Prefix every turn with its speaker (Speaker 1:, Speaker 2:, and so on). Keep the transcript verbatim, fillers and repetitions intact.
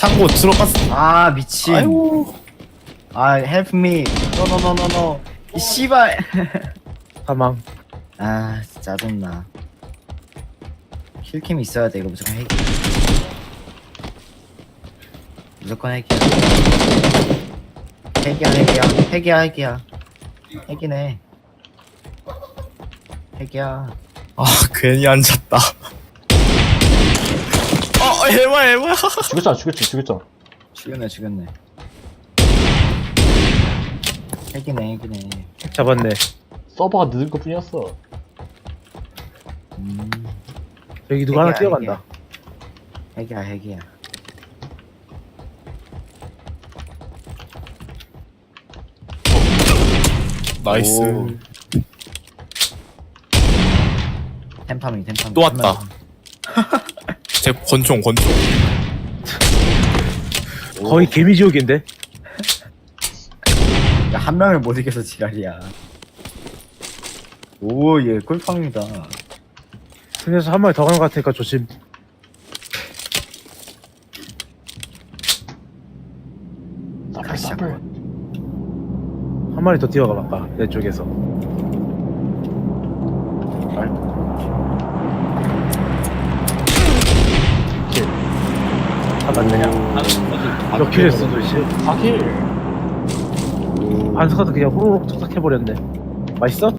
Speaker 1: 창고 들어갔어.
Speaker 2: 아 미친.
Speaker 1: 아이고.
Speaker 2: 아 help me. 노노노노노. 이 씨발.
Speaker 3: 사망.
Speaker 2: 아 진짜 짜증나. 킬캠 있어야 돼. 이거 무조건 핵이야. 무조건 핵이야. 핵이야 핵이야 핵이야 핵이야. 핵이네. 핵이야.
Speaker 1: 아 괜히 앉았다. 어 해봐 해봐.
Speaker 4: 죽였잖아 죽였지 죽였잖아.
Speaker 2: 죽였네 죽였네. 핵이네 핵이네.
Speaker 3: 잡았네.
Speaker 4: 서버가 늦은 것 뿐이었어.
Speaker 2: 음.
Speaker 3: 여기 누가 하나
Speaker 2: 핵이야,
Speaker 3: 뛰어간다.
Speaker 2: 핵이야 핵이야.
Speaker 1: 나이스.
Speaker 2: 오. 템파밍 템파밍.
Speaker 1: 또 왔다. 제 권총 권총.
Speaker 3: 거의 개미지옥인데?
Speaker 2: 야, 한 명을 못 이겨서 지랄이야. 오, 얘 꿀팡이다.
Speaker 3: 승에서 한 마리 더 가는 것 같으니까 조심.
Speaker 4: 사플
Speaker 2: 가시자.
Speaker 4: 사플.
Speaker 3: 한 마리 더 뛰어가 봐봐. 내 쪽에서.
Speaker 4: 킬.
Speaker 3: 다 맞느냐? 몇 킬 했어 도대체?
Speaker 4: 사 킬.
Speaker 3: 반스카도 그냥 호로록 척척 해버렸네. 맛있어?